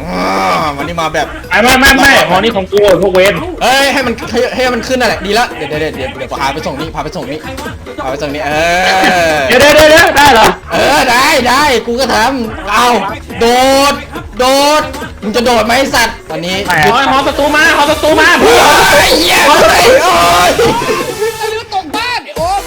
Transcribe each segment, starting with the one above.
วันนี้มาแบบไม่หอนี้ของกูพวกเวนเฮ้ยให้มันขึ้นนั่นแหละดีละเดี๋ยวพาไปส่งนี่พาไปส่งนี่เดี๋ยวได้เหรอได้กูก็ทำเอาโดดมึงจะโดดไหมสัตว์ตอนนี้หอศัตรูมาเหี้ยโอ้ยตกบ้านโอ๊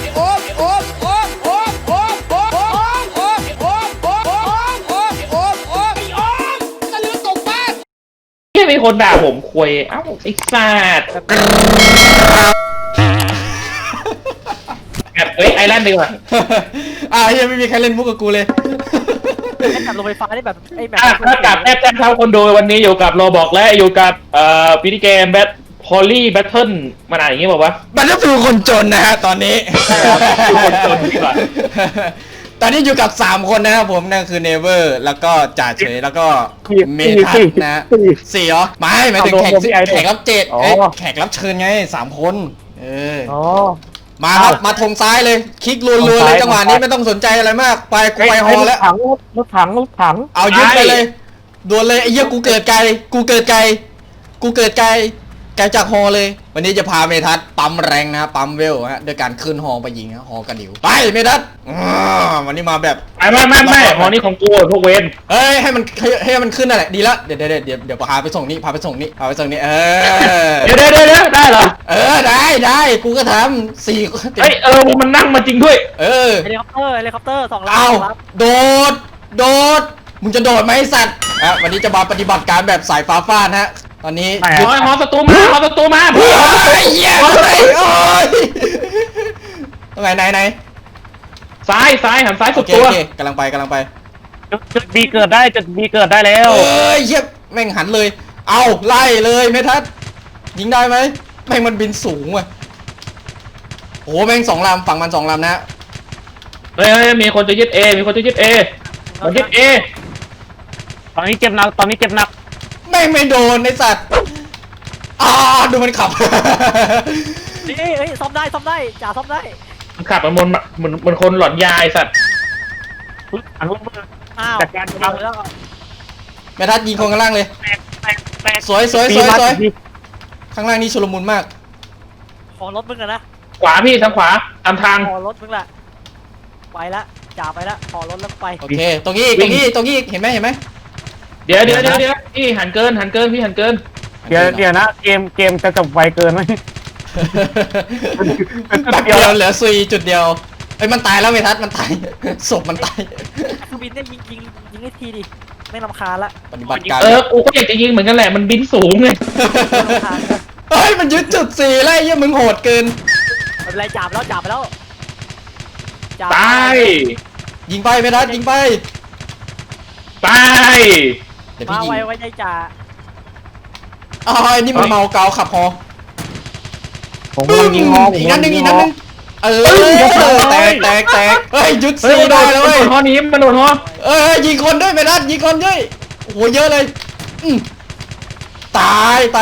ที่มีคนด่าผมคุยเอ้าไอ้สัตว์ไอแลนด์ดีกว่ายังไม่มีใครเล่นมุกกับกูเลยไอ้แบบลงไฟฟ้าได้แบบไอ้แบบถ้ากับแอปเท่าคนดูวันนี้อยู่กับโรบอกและอยู่กับวิดีเกมแบทพอลลี่แบทเทิลมันอะไรอย่างงี้บอกว่ามันก็คือคนจนนะฮะตอนนี้คนจนดีกว่าตอนนี้อยู่กับ3คนนะครับผมนั่นคือเนเวอร์แล้วก็จ่าเฉยแล้วก็เมทัศนะ4เหรอไม่หมายถึงแขกรับแขกรับเชิญไง3คนมาครับมาทงซ้ายเลยคลิกรัวๆเลยจังหวะนี้ไม่ต้องสนใจอะไรมากไปกูไปฮอแล้วรถถังเอายึดไปเลยดวลเลยไอ้เหี้ยกูเกิดไกลจากฮอเลยวันนี้จะพาเมทัศปั๊มแรงนะปั๊มเวลฮะโดยการขึ้นฮอไปยิงฮอกระดิ่วไปเมทัศวันนี้มาแบบไม่ฮอนี้ของกูพวกเวนเฮ้ยให้มันขึ้นนั่นแหละดีละเดี๋ยวพาไปส่งนี่เดี๋ยวได้เหรอได้กูก็ทำมันนั่งมาจริงด้วยเฮลิคอปเตอร์2 ลำเอาโดดมึงจะโดดไหมสัตว์วันนี้จะมาปฏิบัติการแบบสายฟ้าฟาดฮะตอนนี้หอศัตรูมาเหี้ยโอ้ยตรงไหนซ้ายหันซ้ายสุดตัวกำลังไปจุดบีเกิดได้แล้วเหี้ยแม่งหันเลยเอาไล่เลยเมทัศยิงได้ไหมแม่งมันบินสูงว่ะโอ้แม่ง2 ลำฝั่งมัน2 ลำนะเฮ้ยมีคนจะยึดเอมันยึดเอตอนนี้เจ็บหนักแม่งไม่โดนไอ้สัตว์ดูมันขับนี่ซ่อมได้จ่าซ่อมได้มันขับมันคนหลอนยาไอ้สัตว์จัดการแล้วแม่ทัดยิงคนข้างล่างเลยสวยข้างล่างนี่ชุลมุนมากขอรถมึงนะขวาพี่ทางขวาตามทางขอรถมึงแหละไปละจ่าไปละขอรถแล้วไปโอเคตรงนี้เห็นไหมเดี๋ยวพี่หันเกินพี่หันเกินเดี๋ยวนะเกมจะจบไวเกินไหมเดียวเหลือซุยจุดเดียวมันตายแล้วเมทัศมันตายศพมันตายคือบินได้ยิงให้ทีดิไม่รำคาญละปฏิบัติการกูก็อยากจะยิงเหมือนกันแหละมันบินสูงไงมันยึดจุด4แล้วมึงโหดเกินอะไรจับไปแล้วตายยิงไปเมทัศยิงไปเดี๋ยวพี่ยิงไว้ใจจ่านี่มันเมาเกาขับฮอผมยิงฮออีกนัดนึงแตกยึดซีได้แล้วเว้ยฮอนี้มันโดนฮอยิงคนด้วยเมทัศยิงคนด้วยโอ้โหเยอะเลยตาย1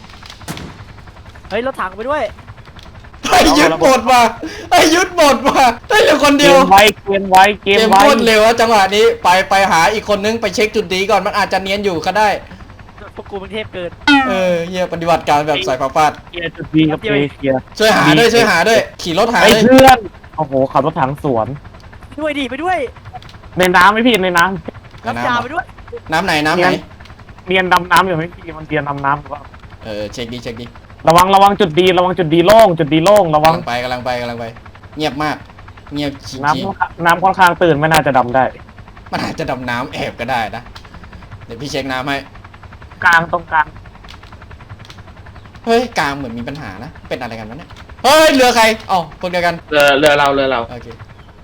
รถถังไปด้วยยึดหมดว่ะยึดหมดว่ะได้เหลือคนเดียวเกมไวโคตรเร็วจังหวะนี้ไปหาอีกคนนึงไปเช็คจุดดีก่อนมันอาจจะเนียนอยู่ก็ได้พวกกูเป็นเทพเกินเฮียปฏิบัติการแบบสายฟ้าฟาดจุดดีกับช่วยหาด้วยขี่รถหาเลยเพื่อนโอ้โหขับรถถังสวนไปด้วยในน้ำไหมพี่ในน้ำน้ำจ่าไปด้วยน้ำไหนเรียนดำน้ำอยู่ไหมพี่มันเรียนดำน้ำหรือเปล่าเช็คดีระวังจุดดีโล่งระวังกำลังไปเงียบมากเงียบจริงน้ำค่อนข้างตื่นไม่น่าจะดำได้มันอาจจะดำน้ำแอบก็ได้นะเดี๋ยวพี่เช็คน้ำให้ตรงกลางเฮ้ยกลางเหมือนมีปัญหานะเป็นอะไรกันวะเนี่ยเฮ้ยเรือใครพวกเดียวกันเรือเราโอเค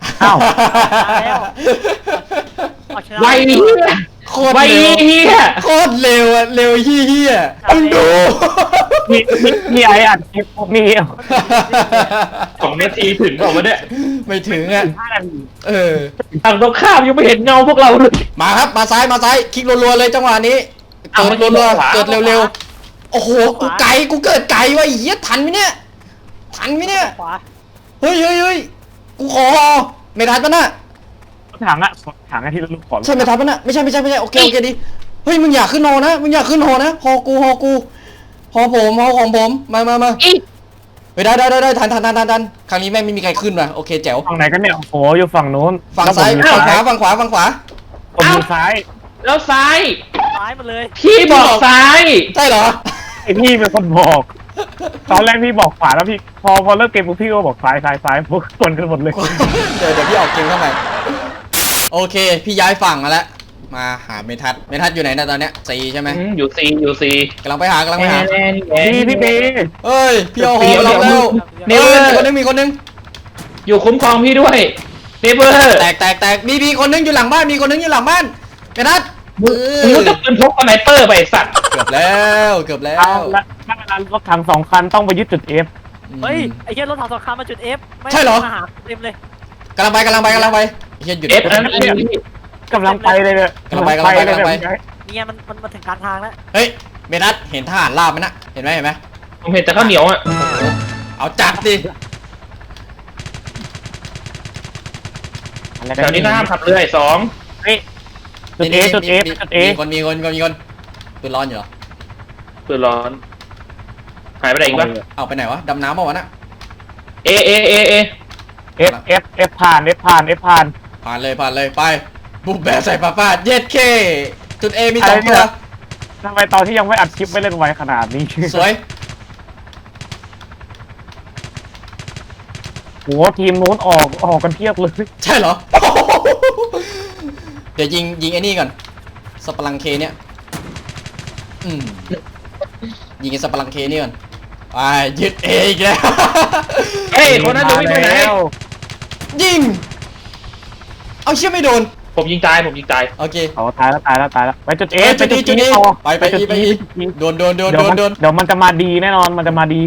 ไวโคตรเร็วเร็วเฮี้ยมึงดูมีไอ้อัดคลิปมี 2 นาทีถึงบอกว่าเนี่ยไม่ถึงทางตรงข้ามยังไม่เห็นเงาพวกเราเลยมาครับมาซ้ายคลิกรัวๆเลยจังหวะนี้เกิดเร็วโอ้โหกูเกิดไกลวะเฮี้ยทันไหมเนี่ยเฮ้ยกูขอไม่ทันปะน่ะถังที่ลูกขอใช่ไม่ทันปะน่ะไม่ใช่โอเคดีเฮ้ยมึงอยากขึ้นโนนะมึงอยากขึ้นโนนะฮอกูฮอผมฮอของผมมาเฮ้ยได้ทันครั้งนี้แม่งไม่มีใครขึ้นว่ะโอเคแจ๋วฝั่งไหนกันเนี่ยโอ้โหอยู่ฝั่งนู้นฝั่งซ้ายแล้วผมอยู่ฝั่งขวาผมอยู่ซ้ายแล้วซ้ายซ้ายมาเลยพี่บอกซ้ายใช่เหรอไอพี่เป็นคนบอก ตอนแรกพี่บอกขวาแล้วพี่พอเลิกเกมปุ๊บพี่ก็บอกซ้ายพวกคนกันหมดเลยเดี๋ยวพี่ออกเกมเข้าไปโอเคพี่ย้ายฝั่งมาแล้วมาหาเมทัศอยู่ไหนนะตอนเนี้ยซีใช่ไหมอยู่ซีกำลังไปหาพี่เบย์เอ้ยพี่เอาฮอมารับแล้วเดี๋ยวมีคนนึงอยู่คุ้มครองพี่ด้วยเนเบอร์แตกมีคนนึงอยู่หลังบ้านมีคนนึงอยู่หลังบ้านเมทัศน์มึงรู้จักปืนพกสไนเปอร์ไปไอ้สัตว์เกือบแล้วเอาละถ้าเวลารถถัง2 คันต้องไปยึดจุด F เฮ้ยไอ้เหี้ยรถถังสงครามมาจุด F ไม่ใช่เหรอมาหาเต็มเลยกำลังไปเฮียหยุดเอฟนั้นพี่กำลังไปเลยเนี่ยกำลังไปเนี่ยมันถึงกลางทางแล้วเฮ้ยเมทัศน์เห็นทหารลาบไหมนะเห็นไหมผมเห็นแต่ข้าวเหนียวอ่ะเอาจัดดิแถวนี้ก็ห้ามขับเรือ2 เฮ้ยจุด A จุด F จุด A มีคนปืนร้อนอยู่เหรอปืนร้อนหายไปไหนอีกปะเอาไปไหนวะดำน้ำเปล่าวะน่ะเอ F ผ่าน ผ่านผ่านเลยไปบุกแบบใส่ป้าเย็ดเคจุด A มี2ตัวทำไมตอนที่ยังไม่อัดคลิปไม่เล่นไวขนาดนี้สวยโหทีมนู้นออกกันเพียบเลยใช่เหรอ เดี๋ยวยิงไอ้นี่ก่อนสปารังเคเนี่ยยิงไอ้สปารังเคนี่ก่อนไปยึด A อีกแล้วเฮ้ยคนนั้นจะวิ่งไปไหนยิงเอาเชี่ยไม่โดนผมยิงตายโอเคเอาตายแล้วไปจุด A จุด E ต่อไปอีโดนเดี๋ยวมันจะมาดีแน่นอนมันจะมาดี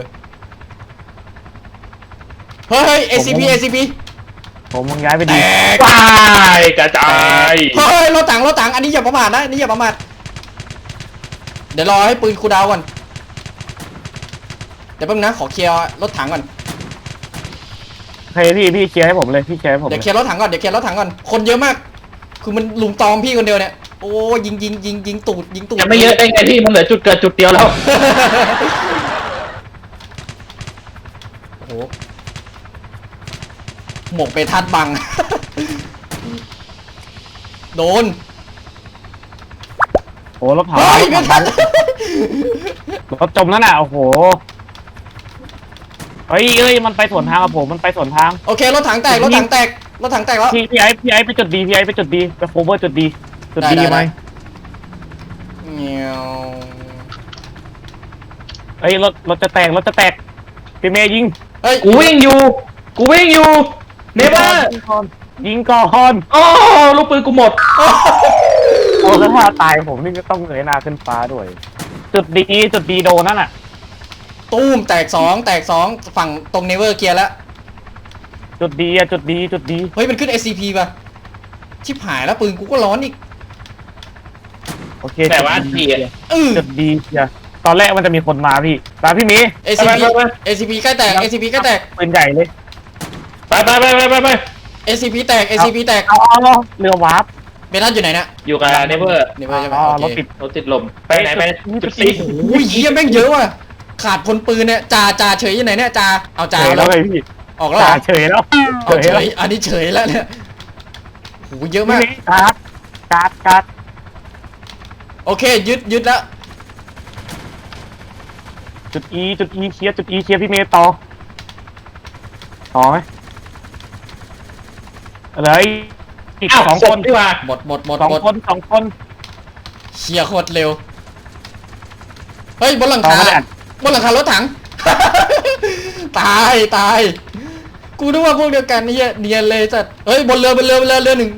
เฮ้ย ACP ผมมึงย้ายไปแตดีกตายกระจายเฮ้ยรถถังอันนี้อย่าประมาทนะเดี๋ยวรอให้ปืนคูลดาวน์ก่อนเดี๋ยวแป๊บนึงนะขอเคลียร์รถถังก่อนเฮ้ยพี่เคลียร์ให้ผมเลยพี่เคลียร์ให้ผมเดี๋ยวเคลียร์รถถังก่อนคนเยอะมากคือมันลุมตอมพี่คนเดียวเนี่ยโอ้ยิงตูดยังไม่เยอะได้ไงพี่มันเหลือจุดเกิดจุดเดียวแล้วโอ้โหหมกไปทัดบัง โดนโอ้รถเผาเฮ้ยไม่ทันรถจมนั่นน่ะโอ้โหเฮ้ยมันไปสวนทางกับผมมันไปสวนทางโอเครถถังแตกแล้วพี่ไอ้ไปจุดดีไปโคเวอร์จุดดีไหมเงี้ยวเฮ้ยรถจะแตกพี่เมย์ยิงเฮ้ยกูวิ่งอยู่เนเบอร์ยิงก่อนโอ้ลูกปืนกูหมดโอ้แล้วถ้าตายผมนี่ก็ต้องเงยหน้าขึ้นฟ้าด้วย จุดดีโดนนั่นน่ะตูมแตกสองฝั่งตรงเนเวอร์เกียร์แล้วจุดดีเฮ้ยมันขึ้น SCP ป่ะชิบหายแล้วปืนกูก็ร้อนอีกโอเคแต่ว่าพี่จุดดีตอนแรกมันจะมีคนมาพี่พี่มี SCP ใกล้แตกปืนใหญ่เลยไป SCP แตกเอาเรือวาร์ปเบลัสอยู่ไหนนะอยู่กับเนเบอร์เนเวอร์ใช่ไหมรถโอเคติดลมไปไหนไปจุดซีอุ้ยเหี้ยแม่งเยอะว่ะขาดพลปืนเนี่ยจ่าเฉยอยู่ไหนเนี่ยจ่าเอาจ่าเฉยแล้แล้ว วเลยพี่ออกแล้วเหรอเฉยแล้วเอาเฉยอันนี้เฉยแล้วเนี่ยโหเยอะมากการ์ดโอเคยึดแล้วจุด E เคลียร์พี่เมย์ต่อไหมอะไรอีก 2 คนดีกว่าหมด 2 คนเชียร์โคตรเร็วเฮ้ยบนหลังคารถถัง ตายกูนึกว่าพวกเดียวกันนี่เนียนเลยจัดเฮ้ยบนเรือหนึ่ง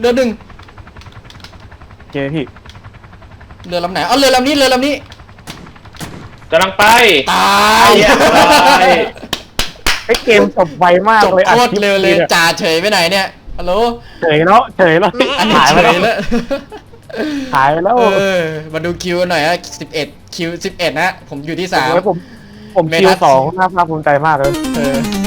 โอเคพี่เรือลำไหนเอาเรือลำนี้กำลังไปตายไอ้เกมจบไวมากจบเลยโคตรเร็วเลยจ่าเฉยไปไหนเนี่ยฮัลโหลเฉยแล้วอันนี้หายเฉไปแล้วยแล้วหายไปแล้วมาดูคิวหน่อยฮะ11คิว11นะผมอยู่ที่3 ผมคิว 2น่าภาคภูมิใจมากเลยเออ